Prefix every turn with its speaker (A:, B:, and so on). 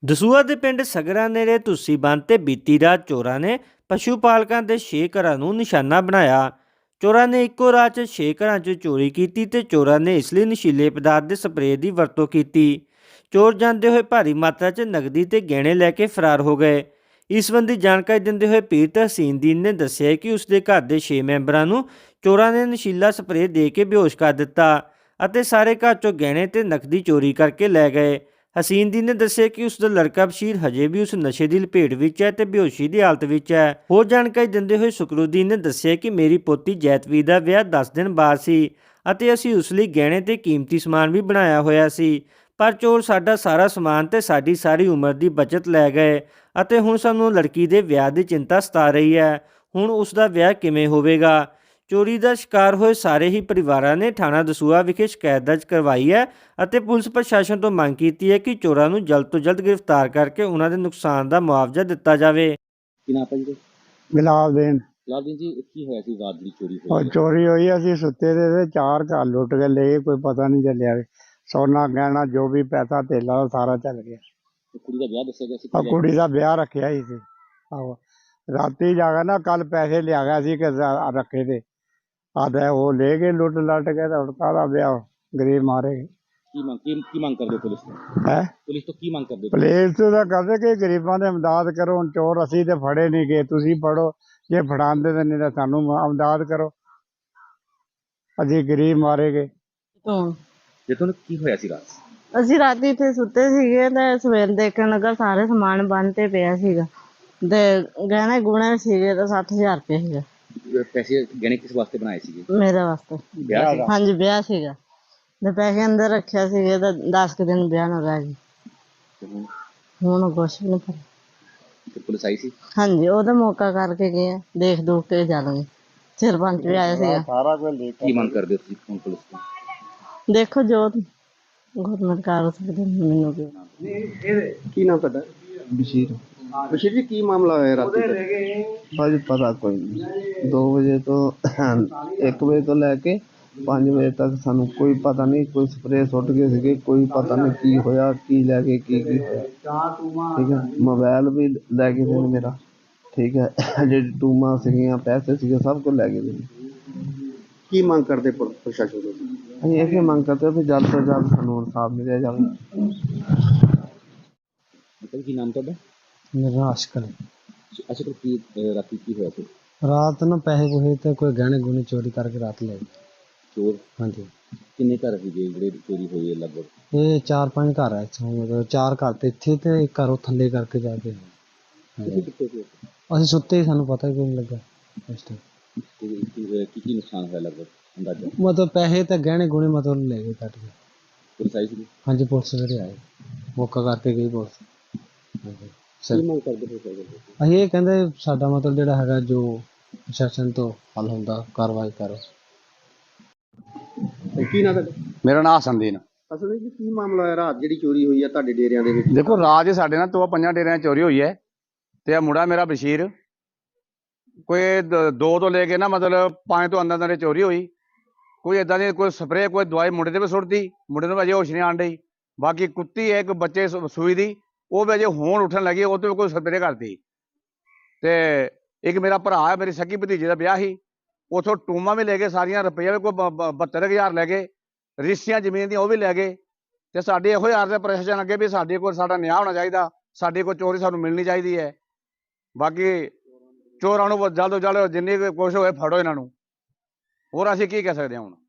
A: ਦਸੂਹਾ ਦੇ ਪਿੰਡ ਸਗਰਾ ਨੇੜੇ ਤੁਸੀਂ ਬੰਨ੍ਹ ਤੇ ਬੀਤੀ ਰਾਤ ਚੋਰਾਂ ਨੇ ਪਸ਼ੂ ਪਾਲਕਾਂ ਦੇ 6 ਘਰਾਂ ਨੂੰ ਨਿਸ਼ਾਨਾ ਬਣਾਇਆ। ਚੋਰਾਂ ਨੇ ਇੱਕੋ ਰਾਤ 'ਚ 6 ਘਰਾਂ 'ਚ ਚੋਰੀ ਕੀਤੀ ਤੇ ਚੋਰਾਂ ਨੇ ਇਸ ਲਈ ਨਸ਼ੀਲੇ ਪਦਾਰਥ ਦੇ ਸਪਰੇਅ ਦੀ ਵਰਤੋਂ ਕੀਤੀ। ਚੋਰ ਜਾਂਦੇ ਹੋਏ ਭਾਰੀ ਮਾਤਰਾ 'ਚ ਨਕਦੀ ਤੇ ਗਹਿਣੇ ਲੈ ਕੇ ਫਰਾਰ ਹੋ ਗਏ। ਇਸ ਸੰਬੰਧੀ ਜਾਣਕਾਰੀ ਦਿੰਦੇ ਹੋਏ ਪੀਰ ਤਹਸੀਨਦੀਨ ਨੇ ਦੱਸਿਆ ਕਿ ਉਸਦੇ ਘਰ ਦੇ 6 ਮੈਂਬਰਾਂ ਨੂੰ ਚੋਰਾਂ ਨੇ ਨਸ਼ੀਲਾ ਸਪਰੇਅ ਦੇ ਕੇ ਬੇਹੋਸ਼ ਕਰ ਦਿੱਤਾ ਅਤੇ ਸਾਰੇ ਘਰ 'ਚੋਂ ਗਹਿਣੇ ਤੇ ਨਕਦੀ ਚੋਰੀ ਕਰਕੇ ਲੈ ਗਏ। ਹਸੀਨਦੀਨ ਨੇ ਦੱਸਿਆ ਕਿ ਉਸ ਦਾ ਲੜਕਾ ਬਸ਼ੀਰ ਹਜੇ ਵੀ ਉਸ ਨਸ਼ੇ ਦੀ ਲਪੇਟ ਵਿੱਚ ਹੈ ਤੇ ਬੇਹੋਸ਼ੀ ਦੀ ਹਾਲਤ ਵਿੱਚ ਹੈ। ਹੋਰ ਜਾਣਕਾਰੀ ਦਿੰਦੇ ਹੋਏ ਸੁਕਰੂਦੀਨ ਨੇ ਦੱਸਿਆ ਕਿ ਮੇਰੀ ਪੋਤੀ ਜੈਤਵੀਰ ਦਾ ਵਿਆਹ 10 ਦਿਨ ਬਾਅਦ ਸੀ ਅਤੇ ਅਸੀਂ ਉਸ ਲਈ ਗਹਿਣੇ ਤੇ ਕੀਮਤੀ ਸਮਾਨ ਵੀ ਬਣਾਇਆ ਹੋਇਆ ਸੀ, ਪਰ ਚੋਰ ਸਾਡਾ ਸਾਰਾ ਸਮਾਨ ਤੇ ਸਾਡੀ ਸਾਰੀ ਉਮਰ ਦੀ ਬਚਤ ਲੈ ਗਏ ਅਤੇ ਹੁਣ ਸਾਨੂੰ ਲੜਕੀ ਦੇ ਵਿਆਹ ਦੀ ਚਿੰਤਾ ਸਤਾ ਰਹੀ ਹੈ। ਹੁਣ ਉਸ ਦਾ ਵਿਆਹ ਕਿਵੇਂ ਹੋਵੇਗਾ। ਚੋਰੀ ਦਾ ਸ਼ਿਕਾਰ ਹੋਏ ਸਾਰੇ ਹੀ ਪਰਿਵਾਰਾਂ ਨੇ ਥਾਣਾ ਦਸੂਹਾ ਵਿਖੇ ਸ਼ਿਕਾਇਤ ਦਰਜ ਕਰਵਾਈ ਹੈ ਅਤੇ ਪੁਲਿਸ ਪ੍ਰਸ਼ਾਸਨ ਤੋਂ ਮੰਗ ਕੀਤੀ ਹੈ ਕਿ ਚੋਰਾਂ ਨੂੰ ਜਲਦ ਤੋਂ ਜਲਦ ਗ੍ਰਿਫਤਾਰ ਕਰਕੇ ਉਹਨਾਂ ਦੇ ਨੁਕਸਾਨ ਦਾ ਮੁਆਵਜ਼ਾ ਦਿੱਤਾ ਜਾਵੇ।
B: ਕੀ ਨਾਮ ਹੈ ਜੀ?
C: ਗੁਲਾਬਦੀਨ
B: ਲਾਲਦੀਨ ਜੀ, ਕੀ ਹੋਇਆ ਸੀ ਰਾਤ ਦੀ ਚੋਰੀ
C: ਉਹ
B: ਹੋਈ?
C: ਚੋਰੀ ਹੋਈ। ਅਸੀਂ ਸੁੱਤੇ ਦੇ 4 ਘਰ ਲੁੱਟ ਕੇ ਲੈ ਗਏ, ਕੋਈ ਪਤਾ ਨਹੀਂ ਚੱਲਿਆ। ਸੋਨਾ ਗਹਿਣਾ ਜੋ ਵੀ ਪੈਸਾ ਧੇਲਾ ਉਹ ਸਾਰਾ ਚੱਲ ਗਿਆ।
B: ਕੁੜੀ ਦਾ ਵਿਆਹ ਦੱਸਿਆ ਗਿਆ ਸੀ?
C: ਕੁੜੀ ਦਾ ਵਿਆਹ ਰੱਖਿਆ ਹੀ ਸੀ। ਆਹੋ, ਰਾਤੀ ਜਾ ਕੇ ਨਾ ਕੱਲ ਪੈਸੇ ਲਿਆ ਗਿਆ ਸੀ ਕਿ ਰੱਖੇ ਤੇ ਆਦੇ ਉਹ ਲੈ ਗਏ ਲੁੱਟ ਲੱਟ ਕੇ ਤੇ ਉੜਕਾ ਦਾ ਵਿਆਹ ਗਰੀਬ ਮਾਰੇ।
B: ਕੀ ਮੰਗ ਕਰਦੇ ਹੋ ਪੁਲਿਸ ਤੋਂ?
C: ਹੈ
B: ਪੁਲਿਸ ਤੋਂ ਕੀ ਮੰਗ ਕਰਦੇ ਹੋ?
C: ਪੁਲਿਸ ਤੋਂ ਤਾਂ ਕਰਦੇ ਕਿ ਗਰੀਬਾਂ ਦੀ ਇਮਦਾਦ ਕਰੋ। ਹੁਣ ਚੋਰ ਅਸੀਂ ਤੇ ਫੜੇ ਨਹੀਂ ਗਏ, ਤੁਸੀਂ ਫੜੋ, ਜੇ ਫੜਾਉਂਦੇ ਤਾਂ ਨਹੀਂ ਤਾਂ ਸਾਨੂੰ ਇਮਦਾਦ ਕਰੋ, ਅਸੀਂ ਗਰੀਬ ਮਾਰੇ ਗਏ।
B: ਜੇ ਤੁਹਾਨੂੰ ਕੀ ਹੋਇਆ ਸੀ ਰਾਤ?
D: ਅਸੀਂ ਰਾਤੀ ਇੱਥੇ ਸੁੱਤੇ ਸੀਗੇ ਤੇ ਸਵੇਰ ਦੇਖਣ ਲੱਗਾ ਸਾਰੇ ਸਮਾਨ ਬੰਨ ਤੇ ਪਿਆ ਸੀਗਾ ਤੇ ਗਹਿਣੇ ਗੁਣੇ ਸੀਗੇ ਤਾਂ 60,000 ਰੁਪਏ ਸੀਗਾ।
B: ਪੈਸੇ ਗਹਿਣੇ ਕਿਸ ਵਾਸਤੇ ਬਣਾਏ ਸੀਗੇ?
D: ਮੇਰੇ ਵਾਸਤੇ।
B: ਵਿਆਹ ਸੀ?
D: ਹਾਂਜੀ, ਵਿਆਹ ਸੀਗਾ ਤੇ ਪੈਸੇ ਅੰਦਰ ਰੱਖਿਆ ਸੀਗੇ ਤਾਂ 10 ਕੁ ਦਿਨ ਵਿਆਹ ਨੂੰ ਰਹਿ ਗਏ।
B: ਤੇ
D: ਹੁਣ ਕੁਛ ਵੀ ਨਹੀਂ ਪਤਾ।
B: ਤੇ ਪੁਲਿਸ ਆਈ ਸੀ?
D: ਹਾਂਜੀ, ਉਹਦਾ ਮੌਕਾ ਕਰਕੇ ਗਏ ਆ, ਦੇਖ ਦੂਖ ਕੇ ਜਾਣਗੇ। ਸਰਪੰਚ ਵੀ ਆਇਆ ਸੀਗਾ।
C: ਸਾਰਾ ਕੁਝ
B: ਕੀ ਮੰਗ ਕਰਦੇ ਹੋ ਤੁਸੀਂ ਹੁਣ ਪੁਲਿਸ ਤੋਂ?
D: ਦੇਖੋ ਜੋ ਗੌਰਮੈਂਟ ਕਰ ਸਕਦੇ ਮੈਨੂੰ ਕੀ।
E: ਕੀ ਨਾਮ ਤੁਹਾਡਾ?
F: ਬਸ਼ੀਰ।
E: ਬਸ਼ੀਰ ਜੀ, ਕੀ ਮਾਮਲਾ ਹੋਇਆ ਰਾਤੀ ਦਾ?
F: ਭਾਜੀ ਪਤਾ ਕੋਈ ਨਹੀਂ। 2 ਵਜੇ ਤੋਂ 1 ਵਜੇ ਤੋਂ ਲੈ ਕੇ 5 ਵਜੇ ਤੱਕ ਸਾਨੂੰ ਕੋਈ ਪਤਾ ਨਹੀਂ। ਕੋਈ ਸਪਰੇਅ ਸੁੱਟ ਗਏ ਸੀਗੇ, ਕੋਈ ਪਤਾ ਨਹੀਂ ਕੀ ਹੋਇਆ, ਕੀ ਲੈ ਕੇ ਕੀ ਹੋਇਆ। ਠੀਕ ਹੈ, ਮੋਬਾਈਲ ਵੀ ਲੈ ਗਏ ਸੀ ਮੇਰਾ। ਠੀਕ ਹੈ, ਜਿਹੜੀ ਟੂਮਾਂ ਸੀਗੀਆਂ, ਪੈਸੇ ਸੀਗੇ, ਸਭ ਕੁਝ ਲੈ ਗਏ ਸੀ।
E: ਕੀ ਮੰਗ ਕਰਦੇ ਪ੍ਰਸ਼ਾਸਨ ਤੋਂ?
F: ਅਸੀਂ ਇਹ ਮੰਗ ਕਰਦੇ ਵੀ ਜਲਦ ਤੋਂ ਜਲਦ ਸਾਨੂੰ ਇਨਸਾਫ ਮਿਲਿਆ ਜਾਵੇ।
B: ਕੀ ਨਾਮ ਤੁਹਾਡਾ?
F: ਮੇਰਾ ਆਸ਼ਕਰ
B: ਅੱਛਾ, ਕੀ ਰਾਤੀ ਕੀ ਹੋਇਆ ਸੀ?
F: ਰਾਤ ਨੂੰ ਪੈਸੇ ਪੂਸੇ ਤੇ ਕੋਈ ਗਹਿਣੇ ਗੁਣੇ ਚੋਰੀ ਕਰਕੇ ਰਾਤ ਲੈ ਗਏ।
B: ਚੋਰ?
F: ਹਾਂਜੀ,
B: ਕਿੰਨੇ ਘਰ ਸੀਗੇ ਜਿਹੜੇ ਚੋਰੀ ਹੋਈ ਹੈ ਲਗਭਗ?
F: ਇਹ 4-5 ਘਰ ਹੈ ਇੱਥੋਂ, ਮਤਲਬ 4 ਘਰ ਤੇ ਇੱਥੇ ਤੇ ਇੱਕ ਘਰ ਉਹ ਥੱਲੇ ਕਰਕੇ ਜਾ ਕੇ।
B: ਤੁਸੀਂ ਕਿੱਥੇ ਸੀ?
F: ਅਸੀਂ ਸੁੱਤੇ ਹੀ, ਸਾਨੂੰ ਪਤਾ ਹੀ ਕੋਈ ਨਹੀਂ ਲੱਗਾ ਇਸ ਟਾਈਮ।
B: ਕੀ ਨੁਕਸਾਨ ਹੋਇਆ ਲਗਭਗ ਅੰਦਾਜ਼ਾ?
F: ਮਤਲਬ ਪੈਸੇ ਤੇ ਗਹਿਣੇ ਗੁਣੇ ਮਤਲਬ ਲੈ ਗਏ ਕੱਟ ਕੇ।
B: ਪੁਲਿਸ ਆਈ ਸੀ?
F: ਹਾਂਜੀ, ਪੁਲਿਸ ਜਿਹੜੇ ਆਏ ਮੌਕਾ ਕਰਕੇ ਗਈ ਪੁਲਿਸ। ਹਾਂਜੀ ਸਰ,
B: ਕੀ ਮੰਗ ਕਰਦੇ ਪ੍ਰਸ਼ਾਸਨ ਤੋਂ?
F: ਅਸੀਂ ਇਹ ਕਹਿੰਦੇ ਸਾਡਾ ਮਤਲਬ ਜਿਹੜਾ ਹੈਗਾ ਜੋ ਪ੍ਰਸ਼ਾਸਨ ਤੋਂ ਹੱਲ ਹੁੰਦਾ ਕਾਰਵਾਈ ਕਰੋ।
E: ਕੀ ਨਾਮ ਤੁਹਾਡਾ?
G: ਮੇਰਾ ਨਾਮ ਹਸਨਦੀਨ।
E: ਅਸਲ ਵਿੱਚ ਕੀ ਮਾਮਲਾ ਹੋਇਆ ਰਾਤ ਜਿਹੜੀ ਚੋਰੀ ਹੋਈ ਹੈ ਤੁਹਾਡੇ ਡੇਰਿਆਂ ਦੇ ਵਿੱਚ?
G: ਦੇਖੋ, ਰਾਤ ਹੀ ਸਾਡੇ ਨਾਲ 5 ਡੇਰਿਆਂ 'ਚ ਚੋਰੀ ਹੋਈ ਹੈ ਤੇ ਇਹ ਮੁੰਡਾ ਮੇਰਾ ਬਸ਼ੀਰ ਕੋਈ 2 ਤੋਂ ਲੈ ਕੇ ਨਾ ਮਤਲਬ 5 ਤੋਂ ਅੰਦਰ ਚੋਰੀ ਹੋਈ। ਕੋਈ ਏਦਾਂ ਦੀ ਕੋਈ ਸਪਰੇਅ ਕੋਈ ਦਵਾਈ ਮੁੰਡੇ ਤੇ ਵੀ ਸੁੱਟਦੀ, ਮੁੰਡੇ ਨੂੰ ਅਜੇ ਹੋਸ਼ ਨਹੀਂ ਆਣ ਡਈ। ਬਾਕੀ ਕੁੱਤੀ ਹੈ ਇੱਕ ਬੱਚੇ ਸੂਈ ਦੀ, ਉਹ ਵੀ ਅਜੇ ਹੋਣ ਉੱਠਣ ਲੱਗੀ, ਉਹ ਤੇ ਵੀ ਕੋਈ ਸਪਰੇਅ ਕਰਦੀ। ਤੇ ਇੱਕ ਮੇਰਾ ਭਰਾ ਹੈ, ਮੇਰੀ ਸਕੀ ਭਤੀਜੇ ਦਾ ਵਿਆਹ ਸੀ, ਉੱਥੋਂ ਟੂਮਾਂ ਵੀ ਲੈ ਗਏ ਸਾਰੀਆਂ, ਰੁਪਈਆ ਵੀ ਕੋਈ 72,000 ਲੈ ਗਏ, ਰਿਸ਼ਤੀਆਂ ਜ਼ਮੀਨ ਦੀਆਂ ਉਹ ਵੀ ਲੈ ਗਏ। ਤੇ ਸਾਡੇ ਇਹੋ ਹੀ ਅਰਜ਼ ਪ੍ਰਸ਼ਾਸਨ ਅੱਗੇ ਵੀ ਸਾਡੇ ਕੋਲ ਸਾਡਾ ਨਿਆਂ ਹੋਣਾ ਚਾਹੀਦਾ, ਸਾਡੇ ਕੋਲ ਚੋਰੀ ਸਾਨੂੰ ਮਿਲਣੀ ਚਾਹੀਦੀ ਹੈ। ਬਾਕੀ ਚੋਰਾਂ ਨੂੰ ਜਲਦ ਤੋਂ ਜਲਦ ਜਿੰਨੀ ਕੋਸ਼ਿਸ਼ ਹੋਏ ਫੜੋ ਇਹਨਾਂ ਨੂੰ, ਹੋਰ ਅਸੀਂ ਕੀ ਕਹਿ ਸਕਦੇ ਹਾਂ ਹੁਣ।